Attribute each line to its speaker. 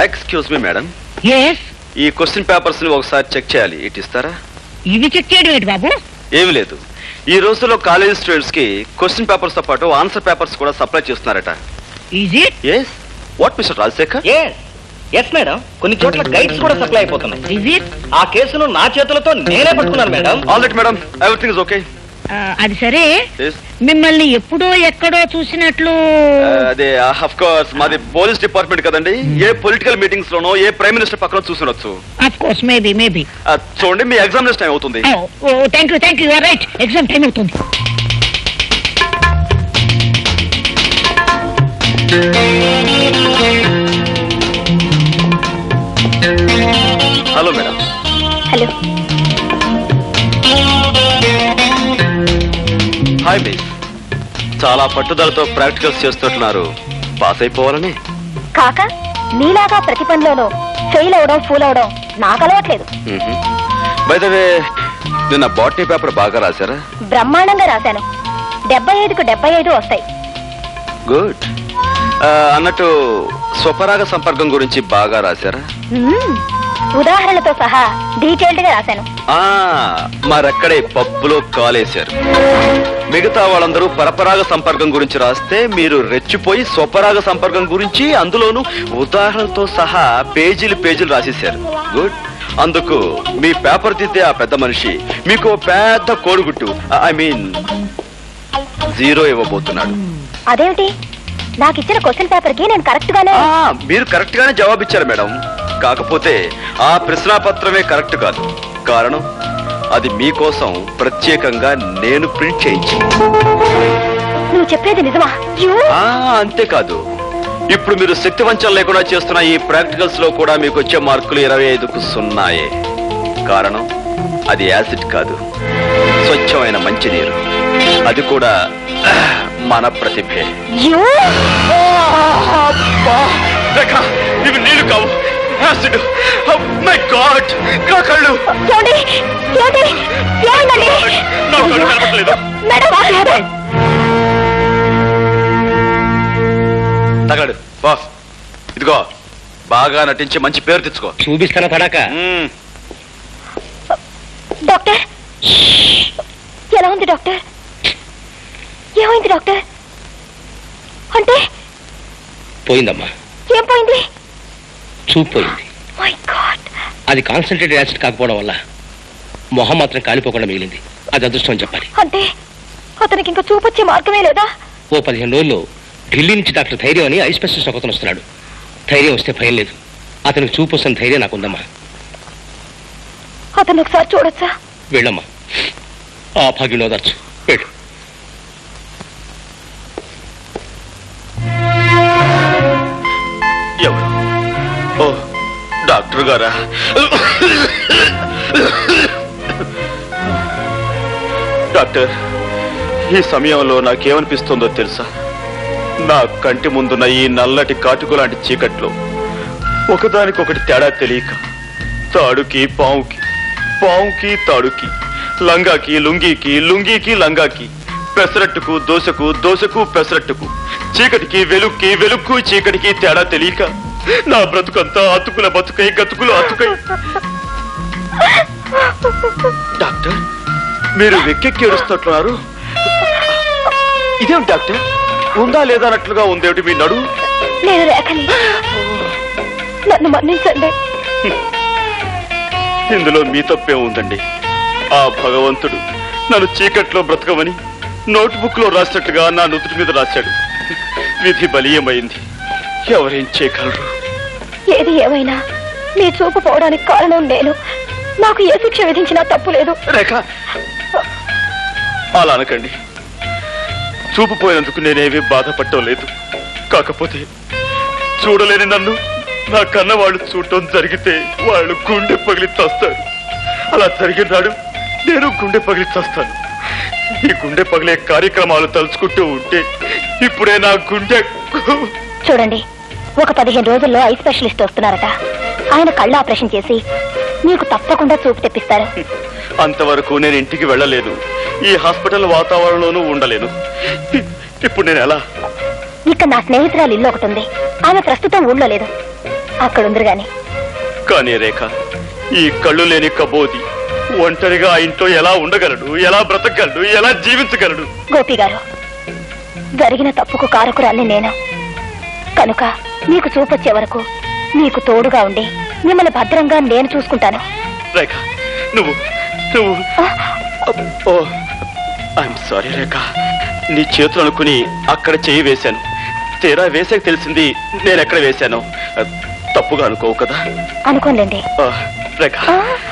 Speaker 1: Excuse me madam,
Speaker 2: yes,
Speaker 1: ఈ question papers ని ఒకసారి చెక్ చేయాలి. ఇటు ఇస్తారా?
Speaker 2: ఇవి చెక్ చేయడం ఏంటి బాబు?
Speaker 1: ఏమి లేదు, ఈ రోజుల్లో కాలేజ్ స్టూడెంట్స్ కి క్వశ్చన్ పేపర్స్ తో పాటు ఆన్సర్ పేపర్స్ కూడా సప్లై చేస్తున్నారట.
Speaker 2: Is it?
Speaker 1: Yes. What mister Rajasekhar?
Speaker 3: Yes madam, కొన్ని చోట్ల గైడ్స్ కూడా సప్లై అయిపోతున్నాయి.
Speaker 2: Is it?
Speaker 3: ఆ కేసును నా చేతులతో నేనే పట్టుకున్నాను madam.
Speaker 1: All right madam, everything is okay.
Speaker 2: అది సరే, మిమ్మల్ని ఎప్పుడో ఎక్కడో చూసినట్లు.
Speaker 1: అదే ఆఫ్ కోర్స్ మాది పోలీస్ డిపార్ట్మెంట్ కదండి. ఏ పొలిటికల్ మీటింగ్స్ లోనో ఏ ప్రైమ్ మినిస్టర్ పక్కన చూసుండొచ్చు.
Speaker 2: Of course, maybe.
Speaker 1: చూడండి, మీ ఎగ్జామినేషన్ టైం అవుతుంది.
Speaker 2: Thank you, right, exam time అవుతుంది.
Speaker 1: Hello madam.
Speaker 4: Hello.
Speaker 1: Hi miss, చాలా పట్టుదలతో ప్రాక్టికల్స్ చేస్తున్నారు. పాస్ అయిపోవాలని?
Speaker 4: కాక నీలాగా ప్రతి పనిలోనూ ఫెయిల్ అవడం ఫూల్ అవడం నాకు అలవాట్లేదు.
Speaker 1: బై ద వే, నిన్న బాటనీ పేపర్ బాగా రాశారా?
Speaker 4: బ్రహ్మాండంగా రాశాను. 75కు 75 వస్తాయి.
Speaker 1: గుడ్. అన్నట్టు స్వపరాగ సంపర్కం గురించి బాగా రాశారా?
Speaker 4: ఉదాహరణలతో సహా డీటెయిల్డ్ గా రాశాను.
Speaker 1: మరక్కడే పప్పులో కాలేశారు. మిగతా వాళ్ళందరూ పరపరాగ సంపర్కం గురించి రాస్తే మీరు రెచ్చిపోయి స్వపరాగ సంపర్కం గురించి అందులోనూ ఉదాహరణలతో సహా పేజీలు రాసేశారు. గుడ్. అందుకు మీ పేపర్ దిద్దే ఆ పెద్ద మనిషి మీకు పెద్ద కోడిగుట్టు, ఐ మీన్ 0 ఇవ్వబోతున్నాడు.
Speaker 4: అదేమిటి? నాకు ఇచ్చిన క్వశ్చన్ పేపర్ కి నేను కరెక్ట్ గానే.
Speaker 1: మీరు కరెక్ట్ గానే జవాబిచ్చారు మేడం. కాకపోతే ఆ ప్రశ్నాపత్రమే కరెక్ట్ కాదు. కారణం, అది మీకోసం ప్రత్యేకంగా నేను ప్రింట్ చేయించి.
Speaker 4: నువ్వు చెప్పేది నిజమా?
Speaker 1: అంతేకాదు, ఇప్పుడు మీరు శక్తి వంచన లేకుండా చేస్తున్న ఈ ప్రాక్టికల్స్ లో కూడా మీకు వచ్చే మార్కులు 25కు 0. కారణం, అది యాసిడ్ కాదు, స్వచ్ఛమైన మంచినీరు. అది కూడా మన ప్రతిభే. ఇవి నీళ్లు కావు, యాసిడ్. మై గాడ్, నా కళ్ళు. తగలడు బాస్. ఇదిగో, బాగా నటించి మంచి పేరు తెచ్చుకో.
Speaker 3: చూపిస్తాను తడాక.
Speaker 4: డాక్టర్, ఎలా ఉంది డాక్టర్? ఏమైంది డాక్టర్? అంటే
Speaker 3: పోయిందమ్మా.
Speaker 4: ఏం పోయింది?
Speaker 3: చూపు పోయింది.
Speaker 4: My god.
Speaker 3: అది కాన్సన్ట్రేటెడ్ యాసిడ్ కాకపోవడం వల్ల మొహం మాత్రం కాలిపోకుండా మిగిలింది. అది అదృష్టం అని చెప్పాలి.
Speaker 4: అంటే అతనికి ఇంకా చూపొచ్చే మార్గమే లేదా?
Speaker 3: ఓ 15 రోజుల్లో ఢిల్లీ నుంచి డాక్టర్ ధైర్యం అని ఐ స్పెషలిస్ట్ ఒకతను వస్తున్నాడు. ధైర్యం వస్తే భయం లేదు. అతనికి చూపు వస్తున్న ధైర్యం నాకుందమ్మా.
Speaker 4: అతను ఒకసారి చూడొచ్చా?
Speaker 3: వెళ్ళమ్మా, ఆ భాగ్యం ఓదార్చు. వెళ్ళు.
Speaker 1: ఎవరు? ఓ, డాక్టర్ గారా? డాక్టర్, ఈ సమయంలో నాకేమనిపిస్తుందో తెలుసా? నా కంటి ముందున్న ఈ నల్లటి కాటుకు లాంటి చీకట్లో ఒకదానికొకటి తేడా తెలియక తాడుకి పావుకి, పావుకి తాడుకి, లంగాకి లుంగీకి, లుంగీకి లంగాకి, పెసరట్టుకు దోశకు, దోశకు పెసరట్టుకు, చీకటికి వెలుక్కి, వెలుక్కు చీకటికి తేడా తెలియక నా బ్రతుకంతా అతుకుల బతుకై, గతుకులు అతుకై. డాక్టర్, మీరు వెక్కెక్కి ఏడుస్తున్నారు. ఇదేమిటి డాక్టర్? ఉందా లేదా అన్నట్లుగా ఉందేమిటి మీ నడు?
Speaker 4: నేను రేఖని, నన్ను మన్నించండి.
Speaker 1: ఇందులో మీ తప్పే ఉందండి. ఆ భగవంతుడు నన్ను చీకట్లో బ్రతకమని నోట్బుక్ లో రాసినట్టుగా నా నుదుటి మీద రాశాడు. విధి బలీయమైంది. ఎవరేం చేయగలరు?
Speaker 4: ఏది ఏమైనా మీ చూపు పోవడానికి కారణం నేను. నాకు ఏ శిక్ష విధించినా తప్పు లేదు.
Speaker 1: రేఖ, అలా అనకండి. చూపు పోయినందుకు నేనేమీ బాధపడటం లేదు. కాకపోతే చూడలేని నన్ను నా కన్న వాళ్ళు చూడటం జరిగితే వాళ్ళు గుండె పగిలి చస్తారు. అలా జరిగిన నాడు నేను గుండె పగిలి చస్తాను. ఈ గుండె పగిలే కార్యక్రమాలు తలుచుకుంటూ ఉంటే ఇప్పుడే నా గుండె.
Speaker 4: చూడండి, ఒక 15 రోజుల్లో ఐ స్పెషలిస్ట్ వస్తున్నారట. ఆయన కళ్ళు ఆపరేషన్ చేసి మీకు తప్పకుండా చూపు తెప్పిస్తారు.
Speaker 1: అంతవరకు నేను ఇంటికి వెళ్ళలేదు. ఈ హాస్పిటల్ వాతావరణంలోనూ ఉండలేను. ఇప్పుడు నేను ఎలా?
Speaker 4: ఇక్కడ నా స్నేహితురాలు ఇల్లు ఒకటి ఉంది. ఆమె ప్రస్తుతం ఊళ్ళో లేదు. అక్కడుందరు గాని.
Speaker 1: కానీ రేఖ, ఈ కళ్ళు లేని కబోది ఒంటరిగా ఆ ఇంట్లో ఎలా ఉండగలడు, ఎలా బ్రతకగలడు, ఎలా జీవించగలడు?
Speaker 4: గోపి గారు, జరిగిన తప్పుకు కారకురాల్ని నేను కనుక మీకు చూపొచ్చే వరకు మీకు తోడుగా ఉండి మిమ్మల్ని భద్రంగా నేను చూసుకుంటాను.
Speaker 1: రేఖ, నువ్వు ఐఎమ్ సారీ రేఖ, నీ చేతులు అనుకుని అక్కడ చేయి వేశాను. తీరా వేసాక తెలిసింది నేను ఎక్కడ వేశాను. తప్పుగా అనుకోవు కదా?
Speaker 4: అనుకోలేండి
Speaker 1: రేఖ,